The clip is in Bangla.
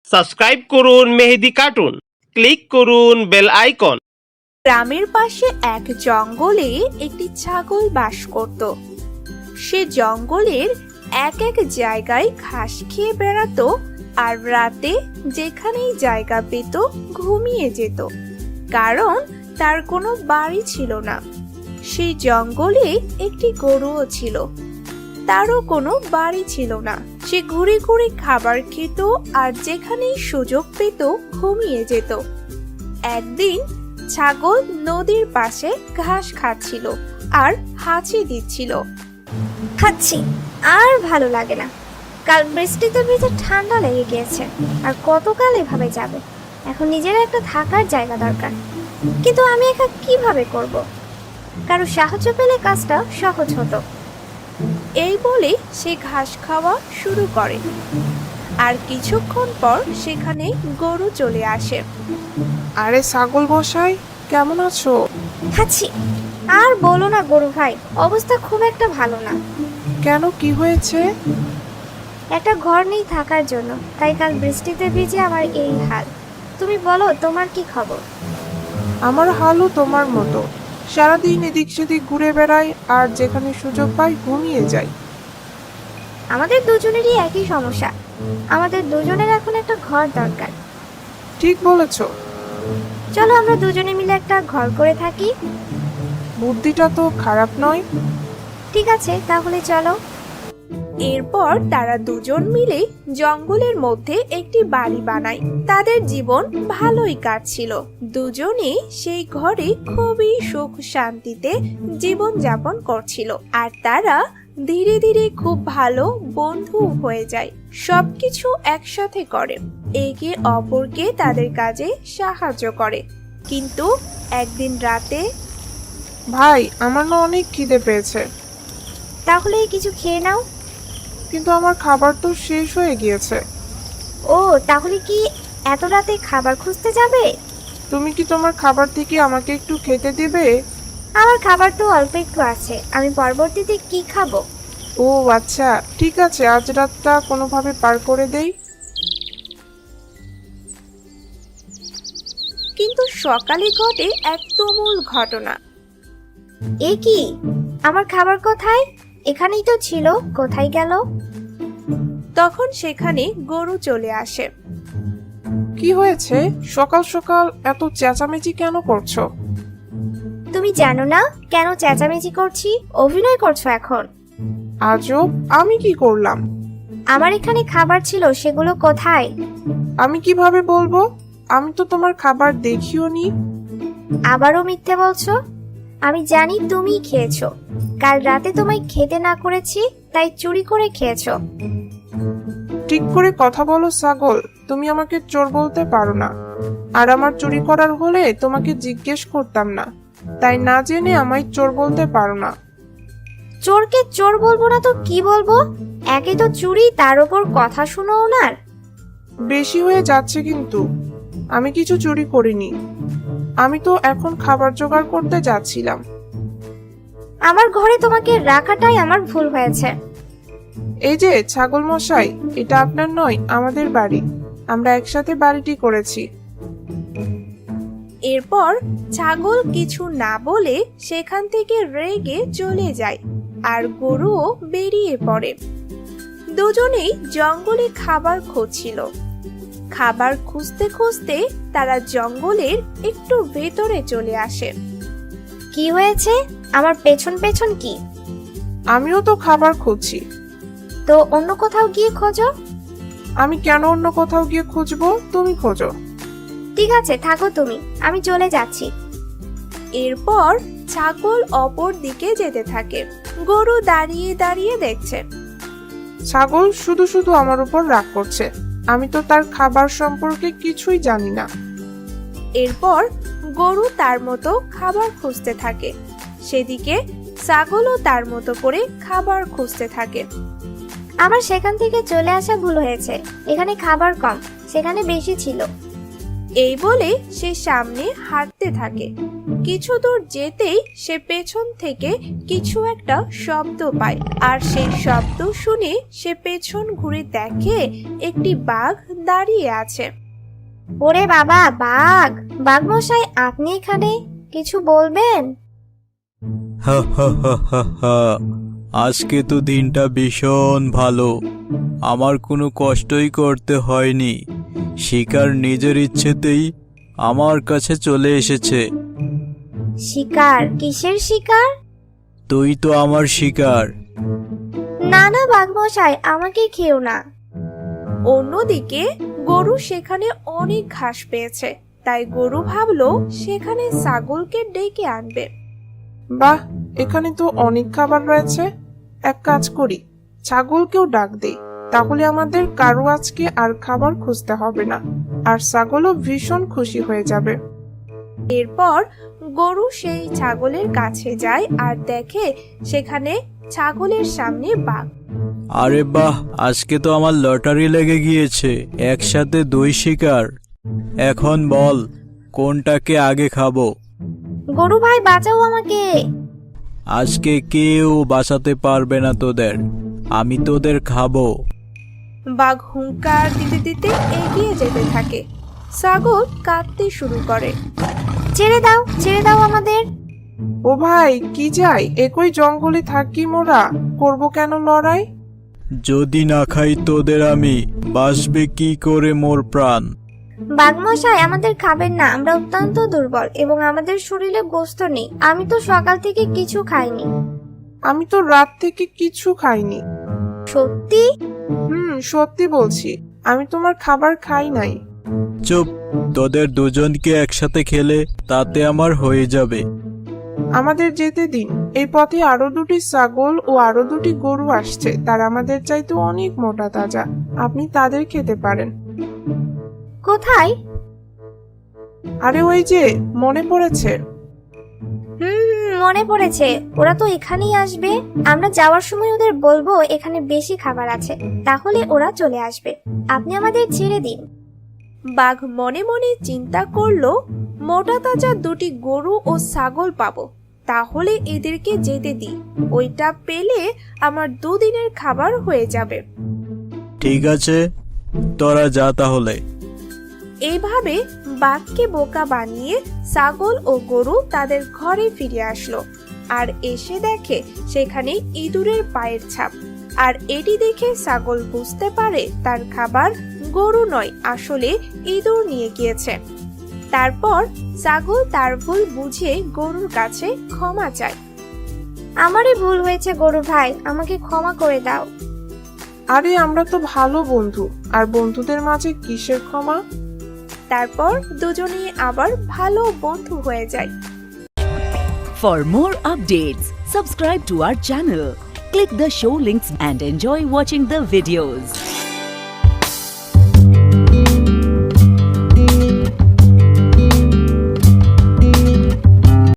সাবস্ক্রাইব করুন মেহেদি কার্টুন, ক্লিক করুন বেল আইকন। গ্রামের পাশে এক জঙ্গলে একটি ছাগল বাস করত। সে জঙ্গলের এক এক জায়গায় ঘাস খেয়ে বেড়াতো আর রাতে যেখানেই জায়গা পেত ঘুমিয়ে যেত, কারণ তার কোনো বাড়ি ছিল না। সেই জঙ্গলে একটি গরুও ছিল, তারও কোনো বাড়ি ছিল না। সে ঘুরে ঘুরে খাবার খেত আর যেখানেই সুযোগ পেত ঘুমিয়ে যেত। একদিন ছাগল নদীর পাশে ঘাস খাচ্ছিল আর হাঁচি দিচ্ছিল। খাচ্ছি, আর ভালো লাগে না। কাল বৃষ্টিতে ভিজে ঠান্ডা লেগে গিয়েছে, আর কতকাল এভাবে যাবে। এখন নিজের একটা থাকার জায়গা দরকার, কিন্তু আমি একা কিভাবে করব? কারো সাহায্য পেলে কাজটা সহজ হতো। এই বলে সে ঘাস খাওয়া শুরু করে, আর কিছুক্ষণ পর সেখানে গরু চলে আসে। আরে ছাগল মশাই, কেমন আছো? খাচ্ছি, আর বলো না গরু ভাই, অবস্থা খুব একটা ভালো না। কেন, কি হয়েছে? একটা ঘর নেই থাকার জন্য, তাই কাল বৃষ্টিতে ভিজে আমার এই হাল। তুমি বলো, তোমার কি খবর? আমার হালও তোমার মতো। সারাদিন এদিক সেদিক ঘুরে বেড়াই আর যেখানে সুযোগ পাই ঘুমিয়ে যাই। আমাদের দুজনেরই একই সমস্যা। আমাদের দুজনের এখন একটা ঘর দরকার। ঠিক বলেছ। চলো আমরা দুজনে মিলে একটা ঘর করে থাকি। বুদ্ধিটা তো খারাপ নয়। ঠিক আছে, তাহলে চলো। এরপর তারা দুজন মিলে জঙ্গলের মধ্যে একটি বাড়ি বানায়। তাদের জীবন ভালোই কাটছিল। দুজনে সেই ঘরে খুবই সুখ শান্তিতে জীবন যাপন করছিল, আর তারা ধীরে ধীরে খুব ভালো বন্ধু হয়ে যায়। সবকিছু একসাথে করে, একে অপরকে তাদের কাজে সাহায্য করে। কিন্তু একদিন রাতে ভাই, আমার না অনেক খিদে পেয়েছে। তাহলে কিছু খেয়ে নাও। কিন্তু আমার খাবার তো শেষ হয়ে গিয়েছে। ও, তাহলে কি এত রাতে খাবার খুঁজতে যাবে? তুমি কি তোমার খাবার থেকে আমাকে একটু খেতে দেবে? আমার খাবার তো অল্প একটু আছে, আমি পরবর্তীতে কি খাবো? ও আচ্ছা, ঠিক আছে, আজ রাতটা কোনোভাবে পার করে দেই। কিন্তু সকালে ঘটে এক তুমুল ঘটনা। এ কি, আমার খাবার কোথায়? এখানেই তো ছিল, কোথায় গেল? তখন সেখানে গরু চলে আসে। কি হয়েছে? সকাল সকাল এত চেঁচামেচি কেন করছো? তুমি জানো না কেন চেঁচামেচি করছি? অভিনয় করছো এখন। আজব, আমি কি করলাম? আমার এখানে খাবার ছিল, সেগুলো কোথায়? আমি কিভাবে বলবো? আমি তো তোমার খাবার দেখিও নি। আবারও মিথ্যে বলছো। আমি জানি তুমিই খেয়েছো। কাল রাতে তোমায় খেতে না করেছি, তাই চুরি করে খেয়েছো। ঠিক করে কথা বলো ছাগল, তুমি আমাকে চোর বলতে পারো না। আর আমার চুরি করার হলে তোমাকে জিজ্ঞেস করতাম না, তাই না জেনে আমায় চোর বলতে পারো না। চোরকে চোর বলবো না তো কি বলবো? একে তো চুরি, তার উপর কথা শুনো ওনার। বেশি হয়ে যাচ্ছে কিন্তু। আমি কিছু চুরি করিনি। আমি তো এখন খাবার জোগাড় করতে যাচ্ছিলাম। আমার ঘরে তোমাকে রাখাটাই আমার ভুল হয়েছে। এই যে ছাগল মশাই, এটা আপনার নয়, আমাদের বাড়ি। আমরা একসাথে বাড়িটি করেছি। এরপর ছাগল কিছু না বলে সেখান থেকে রেগে চলে যায়, আর গরুও বেরিয়ে পড়ে। দুজনেই জঙ্গলে খাবার খুঁজছিল। খাবার খুঁজতে খুঁজতে তারা জঙ্গলের একটু ভেতরে চলে আসে। কি হয়েছে? আমার পেছন পেছন কি? আমিও তো খাবার খুঁজছি। তো অন্য কোথাও গিয়ে খোঁজো। আমি কেন অন্য কোথাও গিয়ে খুঁজবো? তুমি খোঁজো। ঠিক আছে, থাকো তুমি, আমি চলে যাচ্ছি। এরপর ছাগল অপর দিকে যেতে থাকে। গরু দাঁড়িয়ে দাঁড়িয়ে দেখছে। ছাগল শুধু শুধু আমার উপর রাগ করছে। আমি তো তার খাবার সম্পর্কে কিছুই জানি না। এরপর গরু তার মতো খাবার খুঁজতে থাকে, সেদিকে ছাগলও তার মতো করে খাবার খুঁজতে থাকে। আমার সেখান থেকে চলে আসা ভুল হয়েছে। এখানে খাবার কম, সেখানে বেশি ছিল। এই বলে সে সামনে হাঁটতে থাকে। কিছু দূর যেতেই সে পেছন থেকে কিছু একটা শব্দ পায়, আর সেই শব্দ শুনে সে পেছন ঘুরে দেখে একটি বাঘ দাঁড়িয়ে আছে। ওরে বাবা, বাঘ! বাঘ মশাই, আপনি এখানে কিছু বলবেন? হা হা হা হা হা। আজকে তো দিনটা ভীষণ ভালো, আমার কোনো কষ্টই করতে হয়নি। শিকার নিজের ইচ্ছেতেই আমার কাছে চলে এসেছে। শিকার? কিসের শিকার? তুই তো আমার শিকার। না না বাঘ মশাই, আমাকে খেও না। অন্যদিকে গরু সেখানে অনেক ঘাস পেয়েছে, তাই গরু ভাবলো সেখানে ছাগলকে ডেকে আনবে। বাহ, এখানে তো অনেক খাবার রয়েছে। এক কাজ করি, ছাগলকেও ডাক দেই, তাহলে আমাদের কারো আজকে আর খাবার খুঁজতে হবে না, আর ছাগলও ভীষণ খুশি হয়ে যাবে। এরপর গরু সেই ছাগলের কাছে যায় আর দেখে সেখানে ছাগলের সামনে বাঘ। আরে বাহ, আজকে তো আমার লটারি লেগে গিয়েছে, একসাথে 2 শিকার। এখন বল, কোনটাকে আগে খাবো? গরু ভাই, বাঁচাও আমাকে! আজকে কেউ বাঁচাতে পারবে না তোদের, আমি তোদের খাবো। বাঘ হুঙ্কার দিতে দিতে এগিয়ে যেতে থাকে। ছাগল কাঁদতে শুরু করে। ছেড়ে দাও, ছেড়ে দাও আমাদের! ও ভাই, কি যাই, একই জঙ্গলে থাকি মোরা, করব কেন লড়াই? যদি না খাই তোদের আমি, বাঁচবে কি করে মোর প্রাণ? বাঘ মশাই, আমাদের খাবেন না, আমরা অত্যন্ত দুর্বল এবং আমাদের শরীরে গোস্ত নেই। আমি তো সকাল থেকে কিছু খাইনি। আমি তো রাত থেকে কিছু খাইনি। সত্যি? সত্যি বলছি, আমি তোমার খাবার খাই নাই। চুপ, তোদের দুজনকে একসাথে খেলে তাতে আমার হয়ে যাবে। আমাদের যেতে দিন, এই পথে আরো 2টি ছাগল ও আরো 2টি গরু আসছে, তারা আমাদের চাইতে অনেক মোটা তাজা, আপনি তাদের খেতে পারেন। কোথায়? আরে ওই যে, মনে পড়েছে? মনে পড়েছে, ওরা তো এখানেই আসবে। আমরা যাওয়ার সময় ওদের বলবো এখানে বেশি খাবার আছে, তাহলে ওরা চলে আসবে। আপনি আমাদের ছেড়ে দিন। বাঘ মনে মনে চিন্তা করলো, মোটা তাজা 2টি গরু ও ছাগল পাবো, তাহলে এদেরকে যেতে দিই, ওইটা পেলে আমার 2 দিনের খাবার হয়ে যাবে। ঠিক আছে, তোরা যা তাহলে। এইভাবে বাঘকে বোকা বানিয়ে ছাগল ও গরু তাদের ঘরে ফিরে আসলো, আর এসে দেখে সেখানে ইঁদুরের পায়ের ছাপ। আর এটি দেখে ছাগল বুঝতে পারে তার খাবার গরু নয়, আসলে ইঁদুর নিয়ে গিয়েছে। তারপর ছাগল তার ভুল বুঝে গরুর কাছে ক্ষমা চায়। আমারই ভুল হয়েছে গরু ভাই, আমাকে ক্ষমা করে দাও। আরে আমরা তো ভালো বন্ধু, আর বন্ধুদের মাঝে কিসের ক্ষমা? তারপর দুজনেই আবার ভালো বন্ধু হয়ে যায়। For more updates, subscribe to our channel, click the show links and enjoy watching the videos.